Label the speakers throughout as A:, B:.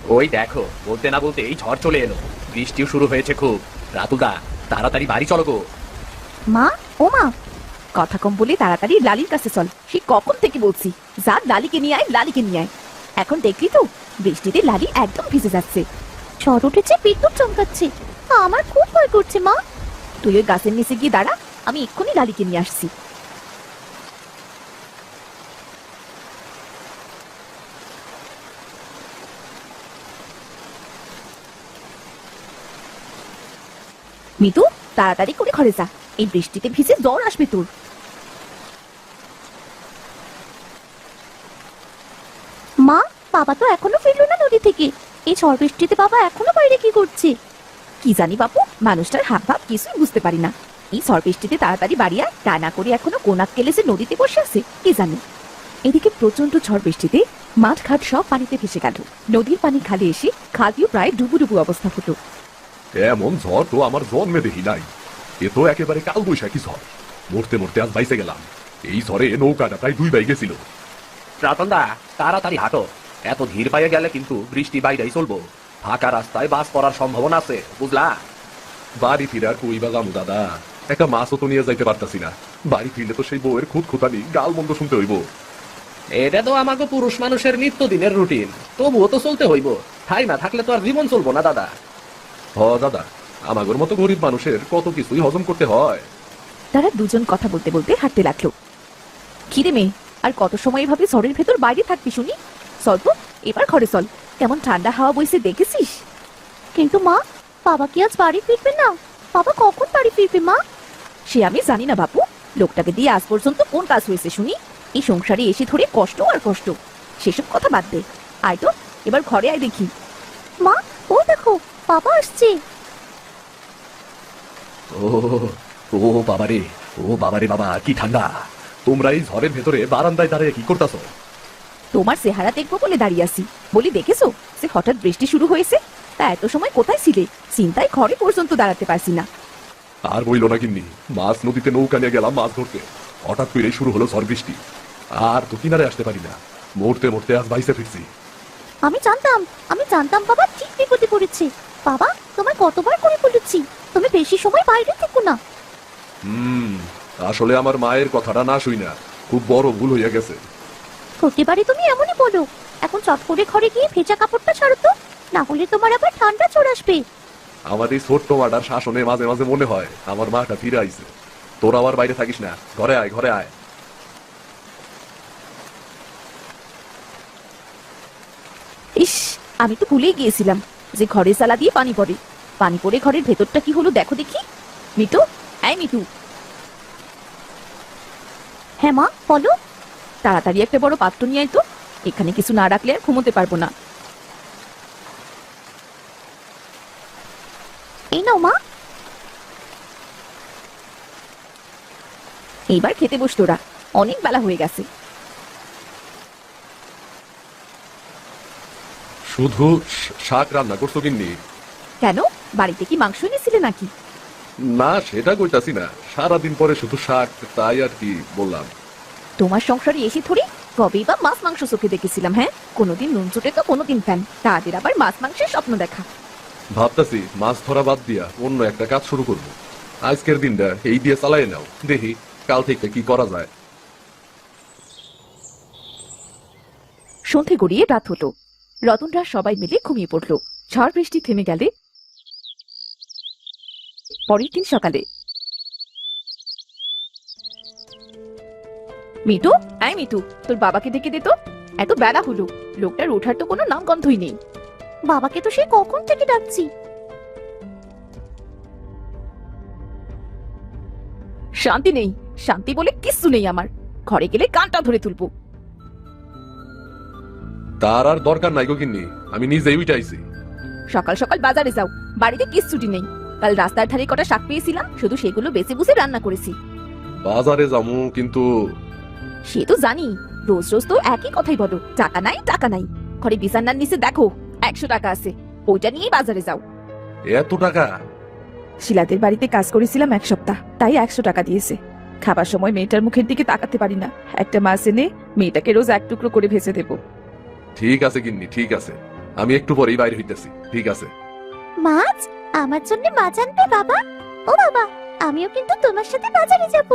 A: ওই দেখো, বলতে না বলতে এই ঝড় চলে এলো। বৃষ্টিও শুরু হয়েছে খুব। রাতুদা, তাড়াতাড়ি বাড়ি চলো গো।
B: মা, ও মা, কথা কম বলে তাড়াতাড়ি লালির কাছে চল। সে কখন থেকে বলছি, যা লালিকে নিয়ে আয়, লালিকে নিয়ে আয়। এখন দেখলি তো, বৃষ্টিতে লালি একদম ভিজে যাচ্ছে। ঝড় উঠেছে, বিদ্যুৎ চমকাচ্ছে। আমার খুব ভয় করছে মা। তুই ওই গাছের নিচে গিয়ে দাঁড়া, আমি এক্ষুনি লালিকে নিয়ে আসছি। মিতু, তাড়াতাড়ি করে ঘরে যা, এই বৃষ্টিতে ভিজে জ্বর আসবে তোর। মা, বাবা তো এখনো ফিরলো না নদী থেকে। এই ঝড় বৃষ্টিতে বাবা এখনো বাইরে কি করছে? কি জানি বাপু, মানুষটার হাব ভাব কিছুই বুঝতে পারি না। এই ঝড় বৃষ্টিতে তাড়াতাড়ি বাড়ি আয়, তা না করে এখনো কোনাক কেলে যে নদীতে বসে আছে কি জানি। এদিকে প্রচন্ড ঝড় বৃষ্টিতে মাঠ ঘাট সব পানিতে ভেসে গেল। নদীর পানি খালে এসে খালটিও প্রায় ডুবু ডুবু অবস্থা হলো।
C: এমন ঝড় তো আমার জন্মে দেখি নাই। এ তো একেবারে কাল বৈশাখী ঝড়। মরতে মরতে আজ বাইসে গেলাম। এই ঝড়ে নৌকাটা প্রায় দুই বাই গেছিল।
A: রাতনদা, তাড়াতাড়ি হাঁটো। এত ধীর পায়ে গেলে কিন্তু বৃষ্টি বাইরেই চলবো। ফাঁকা রাস্তায় বাস করার সম্ভাবনা আছে, বুঝলা?
C: বাড়ি ফিরার কই বা যামু দাদা, একটা মাছও তো নিয়ে যাইতে পারতাছি না। বাড়ি ফিরলে তো সেই বউয়ের খুদ খুতানি গাল মন্দ শুনতে হইব।
A: এটা তো আমাকে পুরুষ মানুষের নিত্যদিনের রুটিন, তবুও তো চলতে হইব। ঠাই না থাকলে তো আর জীবন চলবো না দাদা।
C: হ দাদা, আমাগর মতো গরিব মানুষের কত কিছুই হজম করতে হয়।
B: তারা দুজন কথা বলতে বলতে হাঁটতে লাগলো। খিরে মেয়ে, আর কত সময় এভাবে ঝড়ের ভেতর বাইরে থাকবি শুনি? চল তো, এবার ঘরে চল। কেমন ঠান্ডা হাওয়া বইছে দেখেছিস? কিন্তু মা, বাবা কি আজ বাড়ি ফিরবে না? বাবা কখন বাড়ি ফিরবে মা? সে আমি জানি না বাপু। লোকটাকে দিয়ে আজ পর্যন্ত কোন কাজ হয়েছে শুনি? এই সংসারে এসে ধরে কষ্ট আর কষ্ট। সেসব কথা বাদ দে, আয় তো এবার ঘরে আয় দেখি। মা, ও দেখো, বাবা আসছে।
C: ও ও বাবারে, ও বাবারে বাবা, কি ঠান্ডা! তোমরা এই ঝড়ের ভেতরে বারান্দায় দাঁড়িয়ে কি করতাছো?
B: তোমার চেহারা দেখবো বলে দাঁড়িয়ে আছি। বলি দেখেছো যে হঠাৎ বৃষ্টি শুরু হয়েছে? তা এত সময় কোথায় ছিলে? চিন্তায় ঘরে পর্যন্ত দাঁড়াতে পারছি না।
C: আর বইল না কিন্নি, মাছ নদীতে নৌকা নিয়ে গেলাম মাছ ধরতে। হঠাৎ করেই শুরু হলো ঝড় বৃষ্টি। আর তো কিনারে আসতে পারি না। মরতে মরতে আজ বাইসে ফিরছি।
B: আমি জানতাম বাবা ঠিক বিপদে পড়েছে। বাবা, তোমার কতবার করে বলেছি তুমি বেশি সময় বাইরে থেকো না।
C: হুম, আসলে আমার মায়ের কথাটা না শুই না, খুব বড় ভুল হইয়া গেছে।
B: প্রতিবারই তুমি এমনই বলো। এখন চট করে ঘরে গিয়ে ভেজা কাপড়টা ছাড়ো তো, না হলে তোমার আবার ঠান্ডা চলে আসবে।
C: আমার এই ছোট্ট মাটার শাসনে মাঝে মাঝে মনে হয় আমার মাটা ফিরে আইছে। তোরা আবার বাইরে থাকিস না, ঘরে আয়, ঘরে আয়।
B: ইস, আমি তো ভুলেই গিয়েছিলাম যে ঘরে সালা দিয়ে পানি পড়ে। পানি পড়ে ঘরের ভেতরটা কি হলো দেখো দেখি। মিতু, এই মিতু। হ্যাঁ মা, বলো। তাড়াতাড়ি একটা বড় পাত্র নিয়ে আয় তো। এখানে কিছু না রাখলে আর ঘুমোতে পারবো না। এই নাও মা। এইবার খেতে বস তোরা, অনেক বেলা হয়ে গেছে।
C: শুধু শাক রান্না করছো কিন্নি?
B: কেন, বাড়িতে কি মাংস এনেছিলে নাকি?
C: না, সেটা কইতাছি না, সারাদিন পরে শুধু শাক, তাই আর কি বললাম।
B: তোমার সংসারে এসে থরি কবেই বা মাছ মাংস চোখে দেখেছিলাম? হ্যাঁ, কোনোদিন নুন চোটে তো কোনোদিন ফ্যান, তাদের আবার মাছ মাংসের স্বপ্ন দেখা।
C: ভাবতাছি মাছ ধরা বাদ দিয়া অন্য একটা কাজ শুরু করব। আজকের দিনটা এই দিয়ে চালাই নাও, দেখি কাল থেকে কি করা যায়।
B: সন্ধে গড়িয়ে রাত হলো। রতনরা সবাই মিলে ঘুমিয়ে পড়ল। ঝড় বৃষ্টি থেমে গেলে পরের দিন সকালে মিতু, আয় মিতু, তোর বাবাকে ডেকে দে তো। এত বেলা হলো, লোকটার ওঠার তো কোনো নাম গন্ধই নেই। বাবাকে তো সে কখন থেকে ডাকছি। শান্তি নেই, শান্তি বলে কিচ্ছু নেই আমার। ঘরে গেলে কানটা ধরে তুলবো।
C: তার আর দরকার নাই গো গিন্নি, আমি নিজেই উইটাইছি।
B: সকাল সকাল বাজারে যাও, বাড়িতে কিচ্ছুটি নেই। কাল রাস্তার ধারে কটা শাক পেয়েছিলাম, শুধু সেগুলো বেছে বুঝে রান্না করেছি।
C: বাজারে যাবো কিন্তু।
B: সে তো জানি, রোজ রোজ তো একই কথাই বলো, টাকা নাই টাকা নাই। ঘরে বিছানার নিচে দেখো 100 টাকা আছে, ওইটা নিয়েই বাজারে যাও।
C: এত টাকা?
B: শিলাদের বাড়িতে কাজ করেছিলাম 1 সপ্তাহ, তাই 100 টাকা দিয়েছে। খাবার সময় মেয়েটার মুখের দিকে তাকাতে পারি না। একটা মাছ এনে মেয়েটাকে রোজ 1 টুকরো করে ভেজে দেবো।
C: ঠিক আছে গিন্নি, ঠিক আছে। আমি একটু পরেই বাইরে হইতেছি, ঠিক আছে?
D: মাছ? আমার জন্য মাছ আনবে বাবা? ও বাবা, আমিও কিন্তু তোমার সাথে বাজারে যাব।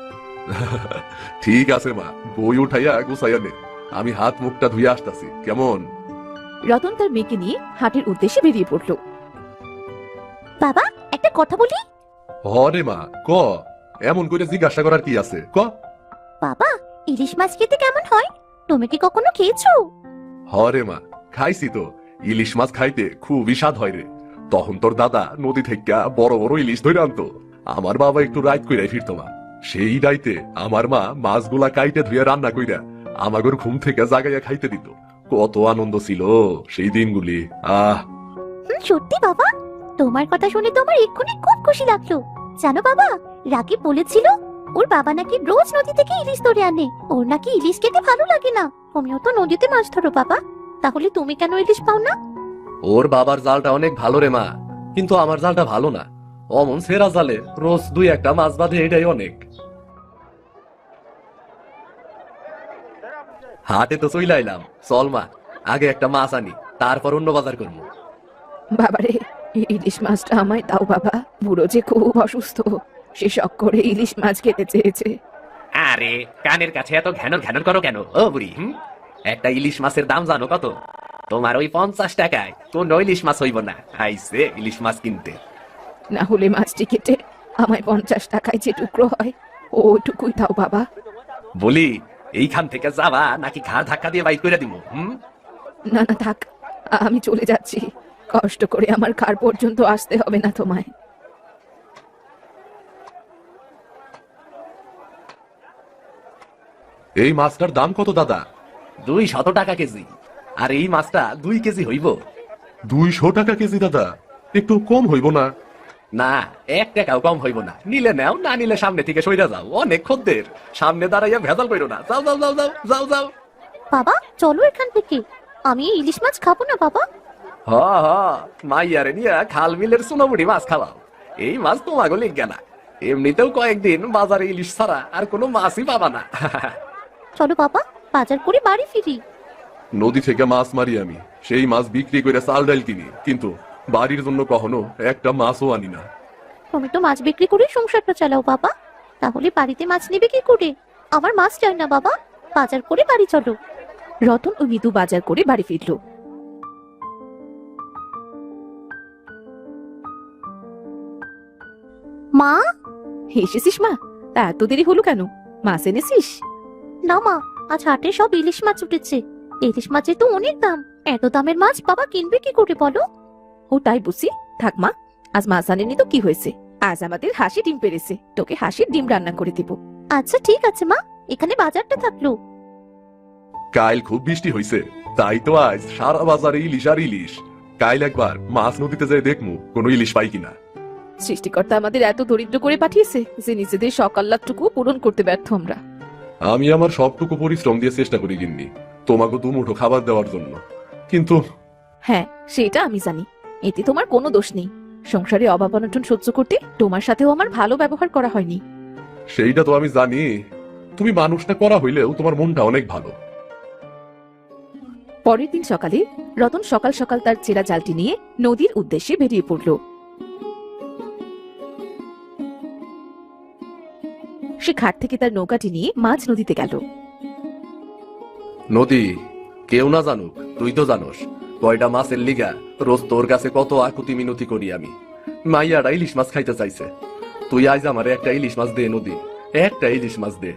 C: ঠিক আছে মা, বই উঠাইয়া গুছাইয়া নে। আমি হাত মুখটা ধুয়ে আসতাছি, কেমন?
B: রতন তার মেয়েকে নিয়ে হাটের উদ্দেশ্যে বেরিয়ে পড়ল।
D: বাবা, একটা কথা বলি।
C: হরে মা, ক। এমন করে জিজ্ঞাসা করার কি আছে, ক।
D: বাবা, ইলিশ মাছ খেতে কেমন হয়? তুমি কি কখনো খেয়েছো?
C: হরে মা, খাইছি তো। ইলিশ মাছ খাইতে খুবই স্বাদ হয় রে। তখন তোর দাদা নদী থেকে বড় বড় ইলিশ ধরে আনতো। আমার বাবা একটু রাইত কইরা ফিরতো মা। সেই রাইতে আমার মা মাছগুলা কাইটে ধুয়ে রান্না কইরা আমাগর ঘুম থেকে জাগাইয়া খাইতে দিত। কত আনন্দ ছিল সেই দিনগুলি।
D: সত্যি বাবা, তোমার কথা শুনে তো আমার এক্ষুনি খুব খুশি লাগলো। জানো বাবা, রাকিব বলেছিল ওর বাবা নাকি রোজ নদী থেকে ইলিশ ধরে আনে। ওর নাকি ইলিশ খেতে ভালো লাগে না। তুমিও তো নদীতে মাছ ধরো বাবা, তাহলে তুমি কেন ইলিশ পাও না?
A: ওর বাবার জালটা অনেক ভালো রে মা, কিন্তু আমার জালটা ভালো না। অমন সেরা জালে রোজ দুই একটা মাছ বাঁধে, এটাই অনেক। হাটে তো চইলা আইলাম, চল মা আগে একটা মাছ আনি, তারপর অন্য বাজার করবো।
B: বাবারে, ইলিশ মাছটা আমায় দাও বাবা। বুড়ো যে খুব অসুস্থ, সে শখ করে ইলিশ মাছ খেতে চেয়েছে।
A: আরে কানের কাছে এত ঘ্যানর ঘ্যানর করো কেন ও বুড়ি? একটা ইলিশ মাছের দাম জানো কত? তোমার ওই 50 টাকায় কোন ইলিশ মাছ হইব না। আইসে ইলিশ মাছ কিনতে।
B: না হলে মাছটি কেটে আমায় 50 টাকায় যে টুকরো হয় ওইটুকুই দাও বাবা।
A: বলি, এইখান থেকে যাবা নাকি ঘাড় ধাক্কা দিয়ে বাইক করে দিব?
B: না না থাক, আমি চলে যাচ্ছি। কষ্ট করে আমার কার পর্যন্ত আসতে হবে না তোমায়।
C: এই মাছটার দাম কত দাদা?
A: 200 টাকা কেজি। আর এই মাছটা 2 কেজি হইব।
C: 200 টাকা কেজি দাদা, একটু কম হইব না?
A: না, 1 টাকাও কম হইব না। নিলে নাও, না নিলে সামনে থেকে সইরা যাও। অনেক খদ্দের, সামনে দাঁড়াইয়া ভেজাল করো না। যাও যাও যাও যাও যাও যাও।
D: বাবা, চলো এখান থেকে। আমি এই ইলিশ মাছ খাবো না বাবা।
A: হ হ, মাইয়ারে নিয়া খাল বিলের সোনামুড়ি মাছ খাওয়াও। এই মাছ তোমাকে লিখবে না। এমনিতেও কয়েকদিন বাজারে ইলিশ ছাড়া আর কোনো মাছই পাবা না।
D: চলো বাবা, বাজার করে বাড়ি ফিরি।
C: নদী থেকে মাছ মারি আমি, সেই মাছ বিক্রি করে চাল ডাল কিনি, কিন্তু বাড়ির জন্য কখনো একটা মাছও আনি না।
D: তুমি তো মাছ বিক্রি করে সংসারটা চালাও বাবা, তাহলে বাড়িতে মাছ নেবে কি করে? আমার মাছ চাই না বাবা, বাজার করে বাড়ি চলো।
B: রতন ও মিতু বাজার করে বাড়ি ফিরল।
D: মা?
B: এসেছিস মা? তা এত দেরি হলো কেন? মাছ এনেছিস?
D: না মা, আজ হাটে সব ইলিশ মাছ উঠেছে। ইলিশ মাছের তো অনেক দাম। এত দামের মাছ বাবা কিনবে কি করে বলো?
B: ও তাই বুঝি। থাক মা, আজ মাছ আনেনি তো কি হয়েছে? আজ আমাদের হাসি ডিম পেরেছে, তোকে হাসির ডিম রান্না করে দিব।
D: আচ্ছা ঠিক আছে মা, এখানে বাজারটা থাকলো।
C: কাল খুব বৃষ্টি হইছে, তাই তো আজ সারা বাজারে ইলিশ আর ইলিশ। কাল একবার মাছ নদীতে যাই দেখমু কোনো ইলিশ পাই কিনা।
B: সৃষ্টিকর্তা আমাদের এত দরিদ্র করে পাঠিয়েছে যে নিজেদের সকাল্লাটুকু পূরণ করতে ব্যর্থ আমরা।
C: আমি আমার সবটুকু পরিশ্রম দিয়ে চেষ্টা করি গিন্নি, তোমাকে দুমুঠো খাবার দেওয়ার জন্য, কিন্তু
B: হ্যাঁ, সেটা আমি জানি। এতে তোমার কোনো দোষ নেই। সংসারে অভাব অনটন সহ্য করতে তোমার সাথেও আমার ভালো ব্যবহার করা হয়নি।
C: সেইটা তো আমি জানি। তুমি মানুষটা করা হইলেও তোমার মনটা অনেক ভালো।
B: পরের দিন সকালে রতন সকাল সকাল তার চেরা জালটি নিয়ে নদীর উদ্দেশ্যে বেরিয়ে পড়ল। সে ঘাট থেকে তার নৌকাটি নিয়ে মাঝ নদীতে গেল।
A: নদী, কেউ না জানুক, তুই তো জানোস কয়টা মাছের লিগা রোজ তোর কাছে কত আকুতি মিনতি করি আমি। মাইয়ারা ইলিশ মাছ খাইতে চাইছে, তুই আজ আমারে একটা ইলিশ মাছ দে নদী, একটা ইলিশ মাছ দে।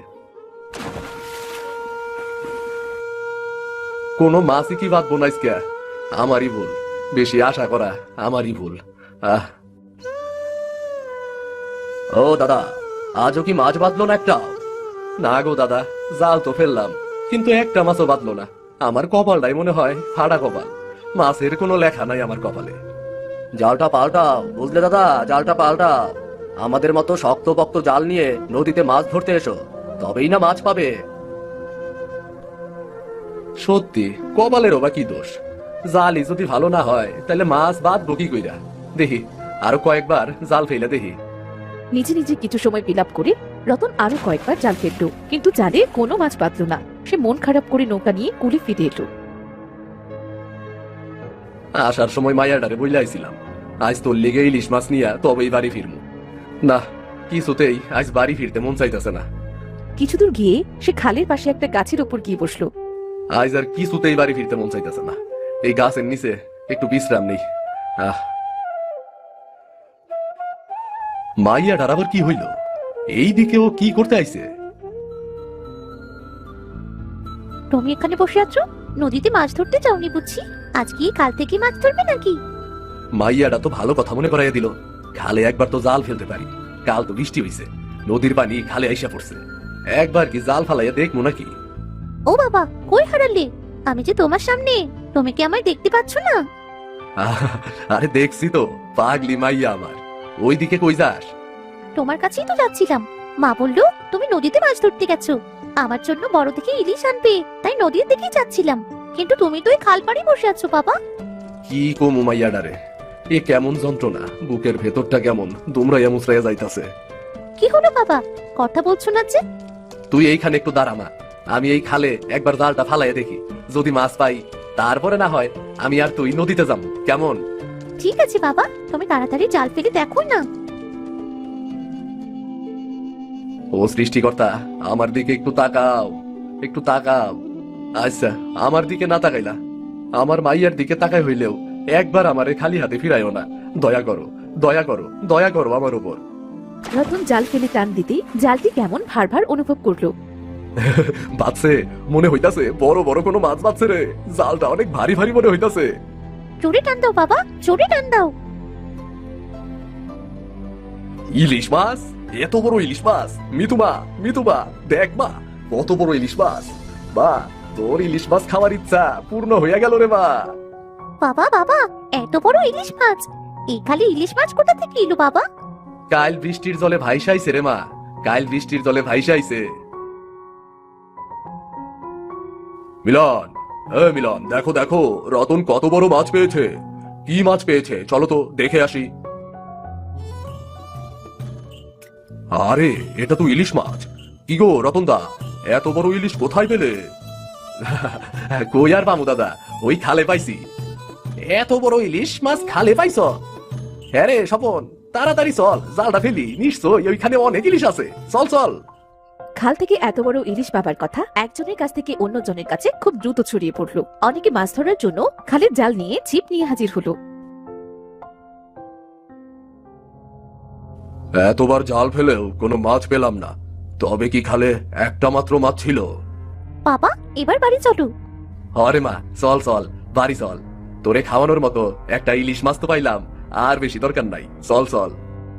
A: কোনো মাছই কি বাদ বোনাইস কে? আমারই ভুল, বেশি আশা করা আমারই ভুল। ও দাদা, আজও কি মাছ বাঁধলো না একটা? না গো দাদা, জাল তো ফেললাম, কিন্তু একটা মাছও বাঁধলো না। আমার কপালটাই মনে হয় ফাড়া কপাল। মাছের কোনো লেখা নাই আমার কপালে। জালটা পাল্টাও, বুঝলে দাদা, জালটা পাল্টাও। আমাদের মতো শক্ত পক্ত জাল নিয়ে নদীতে মাছ ধরতে এসো, তবেই না মাছ পাবে। সত্যি কপালেরও বা কি দোষ? জালই যদি ভালো না হয় তাহলে মাছ বাঁধবো কি কইরা? দেখি আরো কয়েকবার জাল ফেলে দেখি।
B: নিজে নিজে কিছু সময় বিলাপ করে রতন আরো কয়েকবার জাল ফেলল, কিন্তু জালে কোনো মাছ বাঁধল না। সে মন খারাপ করে নৌকা নিয়ে কুলে ফিরে এলো।
A: আসার সময় মাইয়াডারে বইলে আইছিলাম আজ তোর লেগে ইলিশ মাছ নিয়া তবেই বাড়ি ফিরমু। না, কিছুতেই আজ বাড়ি ফিরতে মন চাইতেছে না।
B: কিছু দূর গিয়ে সে খালের পাশে একটা গাছের উপর গিয়ে বসলো।
A: আজ আর কিছুতেই বাড়ি ফিরতে মন চাইতেছে না। এই গাছের নিচে একটু বিশ্রাম নেই। মাইয়াডার আবার কি হইল? এই দিকে ও কি করতে আইছে?
D: তুমি এখানে বসে আছো, নদীতে মাছ ধরতে যাওনি বুঝছি? আজ কি কাল থেকে মাছ ধরবে নাকি?
A: মাইয়াডা তো ভালো কথা মনে করাইয়া দিল। খালে একবার তো জাল ফেলতে পারি। কাল তো বৃষ্টি হইছে, নদীর পানি খালে আইসা পড়ছে। একবার কি জাল ফালাইয়া দেখবো নাকি?
D: ও বাবা, কই হারালে? আমি যে তোমার সামনে, তুমি কি আমায় দেখতে পাচ্ছ না?
A: আরে দেখছি তো, পাগলি মাইয়া আমার। ওইদিকে কই যাস?
D: তোমার কাছেই তো যাচ্ছিলাম। মা বললো তুমি নদীতে মাছ ধরতে গেছো, আমার জন্য বড় থেকে ইলিশ আনবে, তাই নদীর দিকেই যাচ্ছিলাম। কিন্তু তুমি তো এই খাল পাড়ে বসে আছো বাবা।
A: কি কমু মাইয়াডারে, এ কেমন যন্ত্রণা, বুকের ভেতরটা কেমন দুমড়াইয়া মুচড়াইয়া যাইতাছে।
D: কি হলো বাবা, কথা বলছো না যে?
A: তুই এইখানে একটু দাঁড়া মা, আমি এই খালে একবার জালটা ফালাইয়া দেখি, যদি মাছ পাই তারপরে না হয় আমি আর তুই নদীতে যাবো, কেমন?
D: ঠিক আছে বাবা, তুমি তাড়াতাড়ি জাল ফেলে দেখো না।
A: ও সৃষ্টিকর্তা, আমার দিকে একটু তাকাও, একটু তাকাও। আচ্ছা, আমার দিকে না তাকাইলা, আমার মাইয়ার দিকে তাকাই হইলেও একবার আমারে খালি হাতে ফিরাইও না। দয়া করো, দয়া করো, দয়া করো আমার উপর।
B: রতন জাল ফেলে টান দিতে জালটি কেমন ভার ভার অনুভব করলো।
A: বাঁচছে, মনে হইতাছে বড় বড় কোনো মাছ বাঁচছে রে। জালটা অনেক ভারী ভারী মনে হইতাছে।
D: জোরে টান দাও বাবা, জোরে টান দাও।
A: ইলিশ মাছ, এত বড় ইলিশ মাছ! মিতুমা, মিতুমা, দেখ মা, কত বড় ইলিশ মাছ! বা, তোর ইলিশ মাছ খাওয়ার ইচ্ছা পূর্ণ হইয়া গেল রে মা।
D: বাবা বাবা, এত বড় ইলিশ মাছ! এই খালি ইলিশ মাছ কোথা থেকে এলো বাবা?
A: কাল বৃষ্টির জলে ভাইসাইছে রে মা, কাল বৃষ্টির জলে ভাইসাইছে। মিলন, মিলন, দেখো দেখো, রতন কত বড় মাছ পেয়েছে। কি মাছ পেয়েছে চলো তো দেখে আসি। আরে, এটা তো ইলিশ মাছ। কি গো রতন দা, এত বড় ইলিশ কোথায় পেলে? কই আর পামু দাদা, ওই খালে পাইছি। এত বড় ইলিশ মাছ খালে পাইছ? হ্যাঁ রে স্বপন, তাড়াতাড়ি চল, জালটা ফেলি, নিশ্চয়ই ওইখানে অনেক ইলিশ আছে। চল চল।
B: খাল থেকে এত বড় ইলিশ পাবার কথা একজনের কাছ থেকে অন্যজনের কাছে খুব দ্রুত ছড়িয়ে পড়লো। অনেকে মাছ ধরার জন্য খালের জাল নিয়ে ছিপ নিয়ে হাজির হলো।
A: এতবার জাল ফেলেও কোনো মাছ পেলাম না। তবে কি খালে একটা মাত্র মাছ ছিল?
D: বাবা, এবার বাড়ি চলো।
A: আরে মা, চল চল, বাড়ি চল। তোরে খাওয়ানোর মতো একটা ইলিশ মাছ তো পাইলাম, আর বেশি দরকার নাই। চল চল।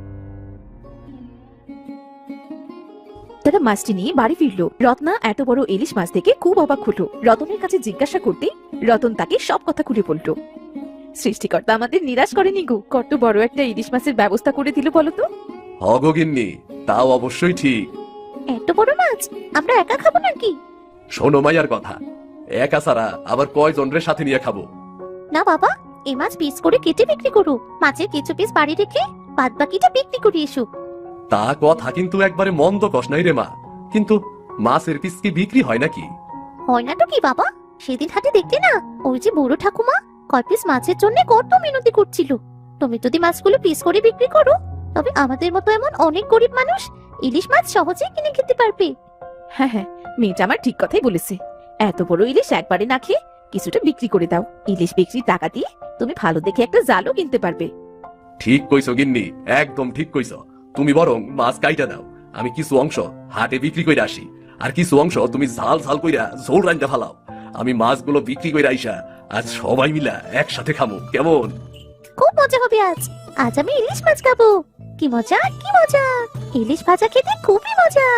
B: তারা মাছটি নিয়ে বাড়ি ফিরলো। রত্না এত বড় ইলিশ মাছ থেকে খুব অবাক হলো। রতনের কাছে জিজ্ঞাসা করতে রতন তাকে সব কথা খুলে বলল। সৃষ্টিকর্তা আমাদের নিরাশ করেনি গো, কত বড় একটা ইলিশ মাছের ব্যবস্থা করে দিল বলতো।
A: হগিন্নি, তাও অবশ্যই ঠিক।
D: এত বড় মাছ আমরা একা খাবো নাকি?
A: শোনো মাইয়ার কথা, একা ছাড়া আবার কয়জনের সাথে নিয়ে খাবো?
D: না বাবা, এই মাছ পিস করে কেটে বিক্রি করো। মাছের কিছু পিস বাড়ি রেখে বাদ বাকিটা বিক্রি করে এসো।
A: তা কথা কিন্তু একবারে মন্দ কষ নাই রে মা, কিন্তু মাছের পিস কি বিক্রি হয় নাকি?
D: হয় না তো কি বাবা, সেদিন হাটে দেখতে না, ওই যে বুড়ো ঠাকুমা কয় পিস মাছের জন্য কত মিনতি করছিল। তুমি যদি মাছগুলো পিস করে বিক্রি করো, তবে আমাদের মতো এমন অনেক গরিব মানুষ ইলিশ মাছ সহজেই কিনে খেতে পারবে।
B: হ্যাঁ হ্যাঁ, মেয়েটা আমার ঠিক কথাই বলেছে। এত বড় ইলিশ একবারে না খেয়ে কিছুটা বিক্রি করে দাও। ইলিশ বিক্রির টাকা দিয়ে তুমি ভালো দেখে একটা জালও কিনতে পারবে।
A: ঠিক কইছো গিন্নি, একদম ঠিক কইছো। তুমি বরং মাছ কাইটা দাও, আমি কিছু অংশ হাটে বিক্রি কইরা আসি, আর কিছু অংশ তুমি ঝাল ঝাল কইরা ঝোল রান্না ফালাও। আমি মাছগুলো বিক্রি কইরা আইসা আজ সবাই মিলা একসাথে খামু, কেমন?
D: খুব মজা হবে আজ। আজ আমি ইলিশ মাছ খাবো। কি মজা, কি মজা! ইলিশ ভাজা খেতে খুবই মজা।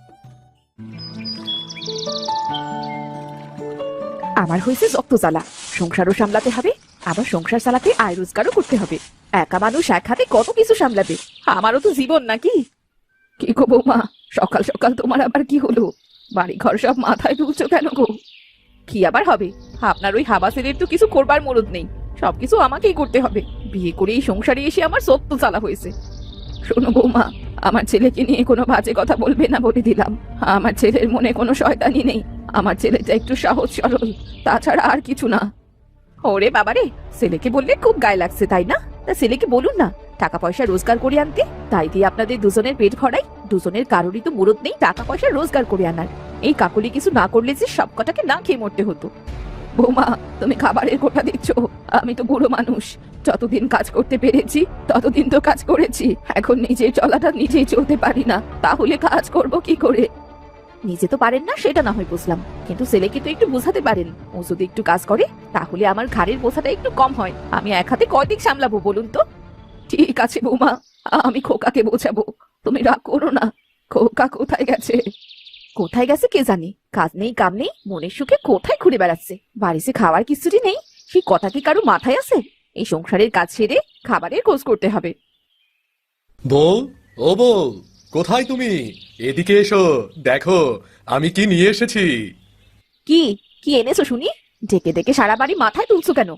B: আমার হয়েছে রক্ত জ্বালা, সংসারও সামলাতে হবে, আবার সংসার চালাতে আয় রোজগারও করতে হবে। একা মানুষ এক হাতে কত কিছু সামলাবে। আমারও তো জীবন নাকি। কি গো বৌমা, সকাল সকাল তোমার আবার কি হলো? বাড়ি ঘর সব মাথায় তুলছো কেন গো? কি আবার হবে, আপনার ওই হাবা ছেলের তো কিছু করবার মরদ নেই, সবকিছু আমাকেই করতে হবে। বিয়ে করে এই সংসারে এসে আমার সত্য জ্বালা হয়েছে। শোনো বৌমা, আমার ছেলেকে নিয়ে কোনো বাজে কথা বলবে না বলে দিলাম। আমার ছেলের মনে কোনো শয়তানি নেই, আমার ছেলেটা একটু সহজ সরল, তাছাড়া আর কিছু না। ওরে বাবারে, ছেলেকে বললে খুব গায়ে লাগছে তাই না? তা ছেলেকে বলুন না টাকা পয়সা রোজগার করে আনতে, তাই দিয়ে আপনাদের দুজনের পেট ভরাই। দুজনের কারোরই তো মুরত নেই টাকা পয়সা রোজগার করে আনার। এই কাকলি কিছু না করলে যে সব কটাকে না খেয়ে মরতে হতো। বৌমা, তুমি খাবারের কোটা দিচ্ছ, আমি তো বুড়ো মানুষ, যতদিন কাজ করতে পেরেছি ততদিন তো কাজ করেছি। এখন নিজের চলাটা নিজেই চলতে পারি না, তাহলে কাজ করব কি করে? নিজে তো পারেন না সেটা না হয় বুঝলাম, কিন্তু ছেলেকে তো একটু বোঝাতে পারেন। ও যদি একটু কাজ করে তাহলে আমার ঘাড়ের বোঝাটা একটু কম হয়। আমি এক হাতে কয়দিক সামলাবো বলুন তো? ঠিক আছে বৌমা, আমি খোকাকে বোঝাবো, তুমি রাগ করো না। খোকা কোথায় গেছে? কোথায় গেছে কে জানে, কাজ নেই কাম নেই, মনের সুখে কোথায় ঘুরে বেড়াচ্ছে। বাড়িতে খাওয়ার কিছুটি নেই, সেই কথা কি কারো মাথায় আছে? এই সংসারের কাজ সেরে খাবারের খোঁজ করতে হবে।
C: বউ, ও বউ, কোথায় তুমি? এদিকে এসো, দেখো আমি কি নিয়ে এসেছি।
B: কি কি এনেছো শুনি? ডেকে ডেকে সারা বাড়ি মাথায় তুলছো কেন?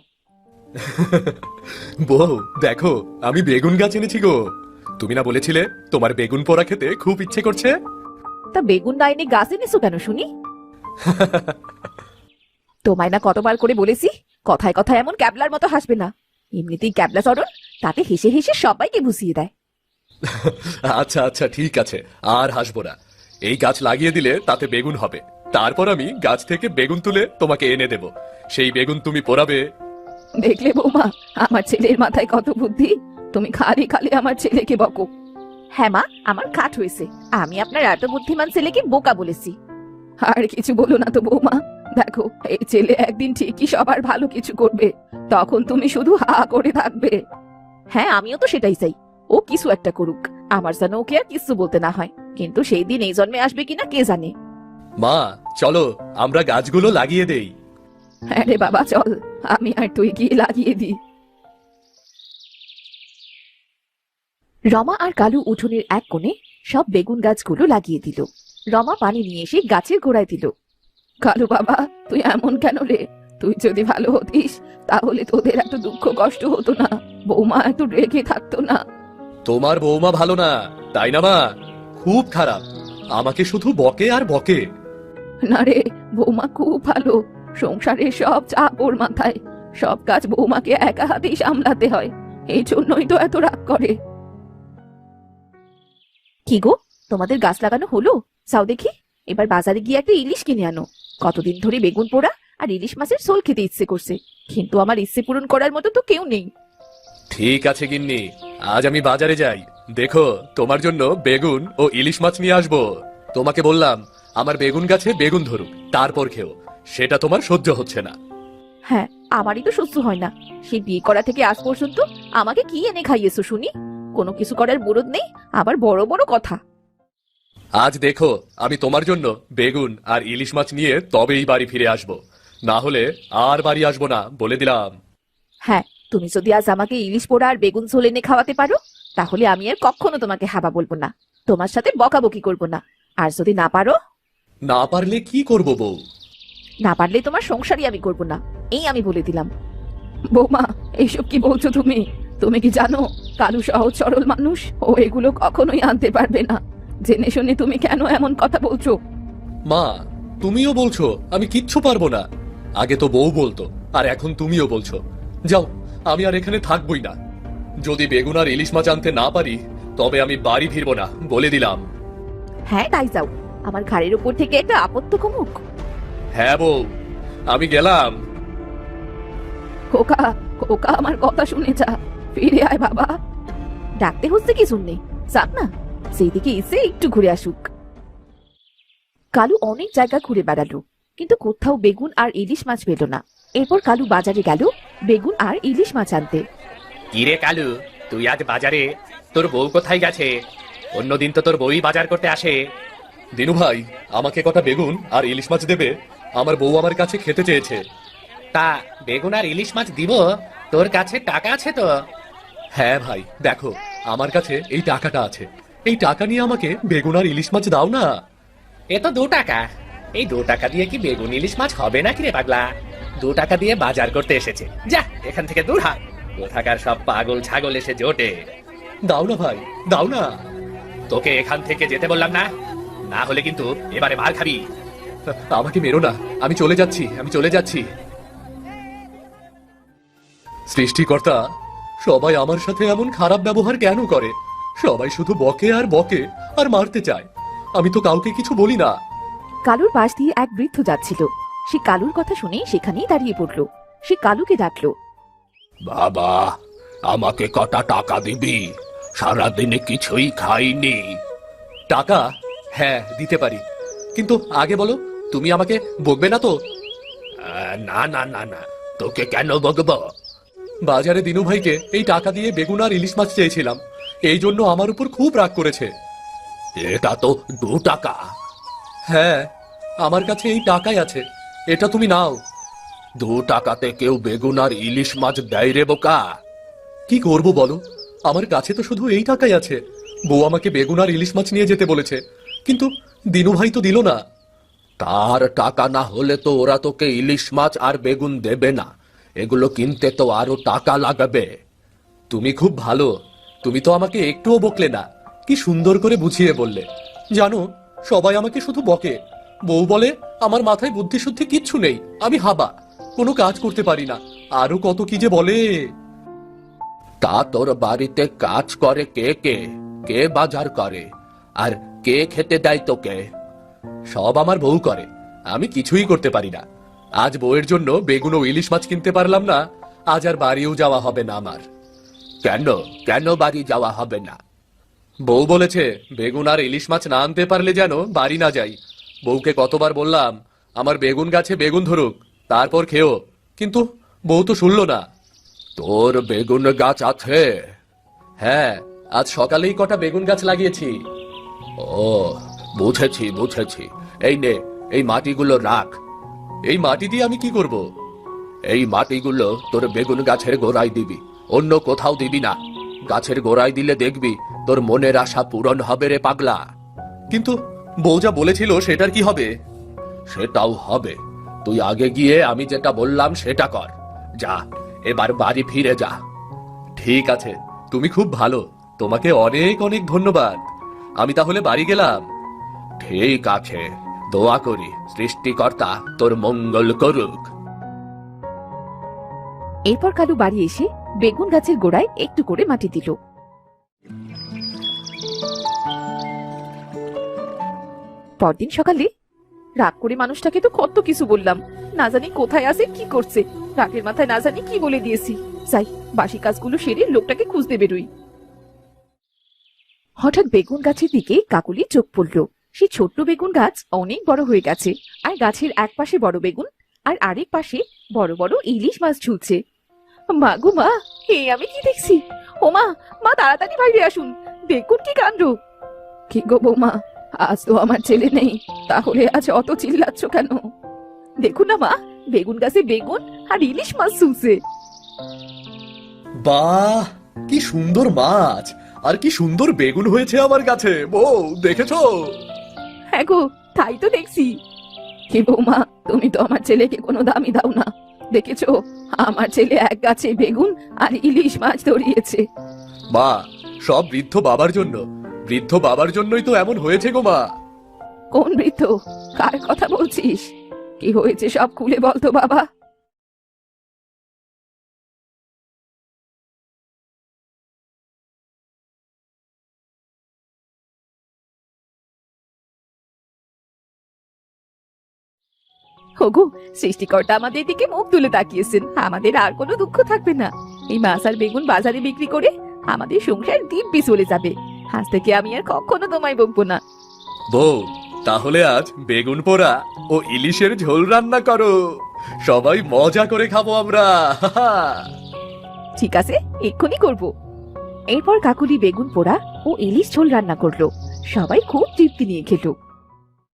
C: বউ দেখো, আমি বেগুন গাছ এনেছি গো। তুমি না বলেছিলে তোমার বেগুন পোড়া খেতে খুব ইচ্ছে করছে?
B: তা বেগুন না এনে গাছ এনেছো কেন শুনি? তোমায় না কতবার করে বলেছি কথায় কথায় এমন ক্যাবলার মতো হাসবে না। এমনিতেই ক্যাবলা চরণ, তাতে হেসে হেসে সবাইকে ভুসিয়ে দেয়।
C: আচ্ছা আচ্ছা ঠিক আছে, আর হাসবো না। এই গাছ লাগিয়ে দিলে তাতে বেগুন হবে, তারপর আমি গাছ থেকে বেগুন তুলে তোমাকে এনে দেব। সেই বেগুন তুমি পোড়াবে।
B: দেখলে বৌমা, আমার ছেলের মাথায় কত বুদ্ধি। তুমি খালি খালি আমার ছেলেকে বকো। হ্যাঁ মা, আমার খাট হয়েছে, আমি আপনার এত বুদ্ধিমান ছেলেকে বোকা বলেছি। আর কিছু বলো না তো বৌমা, দেখো এই ছেলে একদিন ঠিকই সবার ভালো কিছু করবে, তখন তুমি শুধু হা করে থাকবে। হ্যাঁ আমিও তো সেটাই চাই, ও কিছু একটা করুক, আমার যেন ওকে আর কিছু বলতে না হয়। কিন্তু সেই দিন এই জন্মে আসবে কিনা কে জানে।
C: মা চলো আমরা গাছগুলো লাগিয়ে দেই।
B: হ্যাঁ রে বাবা চল, আমি আর তুই গিয়ে লাগিয়ে দিই। রমা আর কালু উঠোনের এক কোণে সব বেগুন গাছগুলো লাগিয়ে দিল। রমা পানি নিয়ে এসে গাছের গোড়ায় দিল। কালু বাবা, তুই এমন কেন রে? তুই যদি ভালো হতিস তাহলে তোদের এত দুঃখ কষ্ট হতো না, বৌমা এত রেগে থাকতো না।
C: তোমার বৌমা ভালো না তাই না মা? খুব খারাপ, আমাকে শুধু বকে আর বকে।
B: না রে, বৌমা খুব ভালো, সংসারের সব চাপ ওর মাথায়, সব কাজ বৌমাকে একা হাতেই সামলাতে হয়, এই জন্যই তো এত রাগ করে। কি গো, তোমাদের গাছ লাগানো হলো? যাও দেখি, এবার বাজারে গিয়ে একটা ইলিশ কিনে আনো। কতদিন ধরে বেগুন পোড়া আর ইলিশ মাছের ঝোল খেতে ইচ্ছে করছে, কিন্তু আমার ইচ্ছে পূরণ করার মতো তো কেউ নেই।
C: ঠিক আছে গিন্নি, আজ আমি বাজারে যাই, দেখো তোমার জন্য বেগুন ও ইলিশ মাছ নিয়ে আসবো। তোমাকে বললাম আমার বেগুন গাছে বেগুন ধরুক তারপর খেও, সেটা তোমার সহ্য হচ্ছে না।
B: হ্যাঁ, আমারই তো সহ্য হয় না। সেই বিয়ে করা থেকে আজ পর্যন্ত আমাকে কি এনে খাইয়েছো শুনি? কোনো কিছু করার মুরদ নেই, আবার বড় বড় কথা।
C: আজ দেখো আমি তোমার জন্য বেগুন আর ইলিশ মাছ নিয়ে তবেই বাড়ি ফিরে আসবো, না হলে আর বাড়ি আসবো না বলে দিলাম।
B: হ্যাঁ, তুমি যদি আজ আমাকে ইলিশ পোড়া আর বেগুন ঝোল এনে খাওয়াতে পারো, তাহলে আমি আর কখনো তোমাকে হাবা বলবো না, তোমার সাথে বকাবকি করবো না। আর যদি না পারো?
C: না পারলে কি করব বউ?
B: না পারলে তোমার সংসারই আমি করবো না, এই আমি বলে দিলাম। বৌমা, এইসব কি বলছো তুমি? তুমি কি জানো কালু সহজ সরল মানুষ, ও এগুলো কখনোই আনতে পারবে না। জেনে শুনে তুমি কেন এমন কথা বলছো?
C: মা তুমিও বলছো আমি কিচ্ছু পারবো না? আগে তো বউ বলতো, আর এখন তুমিও বলছো। যাও, আমি আর এখানে থাকবোই না। যদি বেগুন আর ইলিশ মাছ আনতে না পারি তবে আমি বাড়ি ফিরবো না বলে দিলাম।
B: হ্যাঁ তাই যাও, আমার ঘাড়ের উপর থেকে একটা আপত্ত কমুক।
C: হ্যাঁ বউ, আমি গেলাম।
B: খোকা, খোকা আমার কথা শুনে যা, ফিরে আয় বাবা। ডাকতে হচ্ছে কি শুনলে, যাক না, সেই দিকে এসে একটু ঘুরে আসুক। কালু অনেক জায়গা ঘুরে বেড়ালো, কিন্তু কোথাও বেগুন আর ইলিশ মাছ পেল না। এরপর কালু বাজারে গেল বেগুন আর ইলিশ মাছ আনতে।
E: কিরে কালু, তুই আজ বাজারে? তোর বউ কোথায় গেছে? অন্যদিন তো তোর বউই বাজার করতে আসে।
C: দিনু ভাই, আমাকে কটা বেগুন আর ইলিশ মাছ দেবে? আমার বউ আমার কাছে খেতে চেয়েছে।
E: তা বেগুন আর ইলিশ মাছ দিব? তোর কাছে টাকা আছে তো?
C: হ্যাঁ ভাই, দেখো আমার কাছে এই টাকাটা আছে, এই টাকা নিয়ে আমাকে বেগুন আর ইলিশ মাছ দাও না।
E: এ তো 2 টাকা, এই 2 টাকা দিয়ে কি বেগুন ইলিশ মাছ হবে নাকি রে পাগলা? 2 টাকা দিয়ে বাজার করতে এসেছে, যা এখান থেকে দূর হ। কোথাকার সব পাগল ছাগল এসে জোটে।
C: দাও না ভাই, দাও না।
E: তোকে এখান থেকে যেতে বললাম না? না হলে কিন্তু এবারে মার খাবি।
C: আমাকে মেরো না, আমি চলে যাচ্ছি, আমি চলে যাচ্ছি।
A: সৃষ্টিকর্তা, সবাই আমার সাথে এমন খারাপ ব্যবহার কেন করে? সবাই শুধু বকে আর বকে আর মারতে চায়। আমি তো কাউকে কিছু বলি না।
B: কালুর পাশ দিয়ে এক বৃদ্ধ যাচ্ছিল। সে কালুর কথা শুনে সেখানেই দাঁড়িয়ে পড়ল। সে কালুকে ডাকলো।
E: বাবা, আমাকে কটা টাকা দিবি? সারাদিনে কিছুই খাইনি।
A: টাকা? হ্যাঁ, দিতে পারি, কিন্তু আগে বলো, তুমি আমাকে বকবে না তো?
E: না না না না, তোকে কেন বকবো?
A: বাজারে দিনু ভাইকে এই টাকা দিয়ে বেগুন আর ইলিশ মাছ চেয়েছিলাম, এই জন্য আমার উপর খুব রাগ করেছে।
E: এটা তো 2 টাকা।
A: হ্যাঁ, আমার কাছে এই টাকাই আছে, এটা তুমি নাও।
E: 2 টাকাতে কেউ বেগুন আর ইলিশ মাছ দেয় রে বোকা?
A: কি করব বলো, আমার কাছে তো শুধু এই টাকাই আছে। বউ আমাকে বেগুন আর ইলিশ মাছ নিয়ে যেতে বলেছে, কিন্তু দিনু ভাই তো দিল না।
E: তার টাকা না হলে তো ওরা তোকে ইলিশ মাছ আর বেগুন দেবে না। এগুলো কিনতে তো আরো টাকা লাগবে।
A: তুমি খুব ভালো, তুমি তো আমাকে একটুও বকলে না, কি সুন্দর করে বুঝিয়ে বললে। জানো, সবাই আমাকে শুধু বকে। বউ বলে আমার মাথায় বুদ্ধি শুদ্ধি কিচ্ছু নেই, আমি হাবা, কোনো কাজ করতে পারি না, আরো কত কি যে বলে।
E: তা তোর বাড়িতে কাজ করে কে কে? কে বাজার করে? আর কে খেতে দেয় তোকে?
A: সব আমার বউ করে, আমি কিছুই করতে পারি না। আজ বউয়ের জন্য বেগুন ও ইলিশ মাছ কিনতে পারলাম না, আজ আর বাড়িও যাওয়া হবে না আমার।
E: কেন কেন বাড়ি যাওয়া হবে না?
A: বউ বলেছে বেগুন আর ইলিশ মাছ না আনতে পারলে যেন বাড়ি না যাই। বউকে কতবার বললাম আমার বেগুন গাছে বেগুন ধরুক, তারপর খেও, কিন্তু বউ তো শুনলো না।
E: তোর বেগুন গাছ আছে?
A: হ্যাঁ, আজ সকালেই কটা বেগুন গাছ লাগিয়েছি।
E: ও, বুঝেছি বুঝেছি। এই নে, এই মাটিগুলো রাখ।
A: এই মাটি দিয়ে আমি কি করব?
E: এই মাটিগুলো তোর বেগুন গাছের গোড়ায় দিবি, অন্য কোথাও দিবি না। গাছের গোড়ায় দিলে দেখবি তোর মনের আশা পূরণ হবে রে পাগলা।
A: কিন্তু বউ যা বলেছিল সেটার কি হবে?
E: সেটাও হবে। তুই আগে গিয়ে আমি যেটা বললাম সেটা কর। যা, এবার বাড়ি ফিরে যা।
A: ঠিক আছে, তুমি খুব ভালো, তোমাকে অনেক অনেক ধন্যবাদ। আমি তাহলে বাড়ি গেলাম।
E: ঠিক আছে, দোয়া করি সৃষ্টিকর্তা তোর মঙ্গল করুক।
B: এরপর কালু বাড়ি এসে বেগুন গাছের গোড়ায় একটু করে মাটি দিল। পরদিন সকালে, রাগ করে মানুষটাকে তো কত কিছু বললাম, না জানি কোথায় আছে কি করছে, রাগের মাথায় না জানি কি বলে দিয়েছি। যাই, বাসি কাজগুলো সেরে লোকটাকে খুঁজতে বেরোই। হঠাৎ বেগুন গাছের দিকে কাকুলি চোখ পড়ল। সেই ছোট্ট বেগুন গাছ অনেক বড় হয়ে গেছে, আর গাছের এক পাশে বড় বেগুন আর আরেক পাশে বড় বড় ইলিশ মাছ ঝুলছে। মা গো মা, আমি কি দেখছি? ও মা, মা তাড়াতাড়ি বাইরে আসুন, দেখুন কি কাণ্ড। কি গো বৌমা, আজ তো আমার ছেলে নেই, তাহলে আজ অত চিল্লাচ্ছ কেন? দেখুন না মা, বেগুন গাছে বেগুন আর ইলিশ মাছ ঝুলছে।
A: বাহ, কি সুন্দর মাছ আর কি সুন্দর বেগুন হয়েছে আমার কাছে। বউ, দেখেছো?
B: হ্যাঁ গো, তাই তো দেখছি। কি বৌমা, তুমি তো আমার ছেলেকে কোনো দামই দাও না। দেখেছো, আমার ছেলে এক গাছে বেগুন আর ইলিশ মাছ ধরিয়েছে।
A: মা, সব বৃদ্ধ বাবার জন্য, বৃদ্ধ বাবার জন্যই তো এমন হয়েছে গো মা।
B: কোন বৃদ্ধ? কার কথা বলছিস? কি হয়েছে সব খুলে বলতো বাবা। ওগো, সৃষ্টিকর্তা আমাদের দিকে মুখ তুলে তাকিয়েছেন, আমাদের আর কোনো দুঃখ থাকবে না। এই মাছ আর বেগুন বাজারে বিক্রি করে আমাদের সংসার দিব্যি চলে যাবে। আজ থেকে আমি আর কখনো তোমায় বকবো না।
A: বউ, তাহলে আজ বেগুন পোড়া ও ইলিশের ঝোল রান্না করো, সবাই মজা করে খাবো আমরা।
B: ঠিক আছে, এক্ষুনি করব। এরপর কাকুলি বেগুন পোড়া ও ইলিশ ঝোল রান্না করলো। সবাই খুব তৃপ্তি নিয়ে খেলো।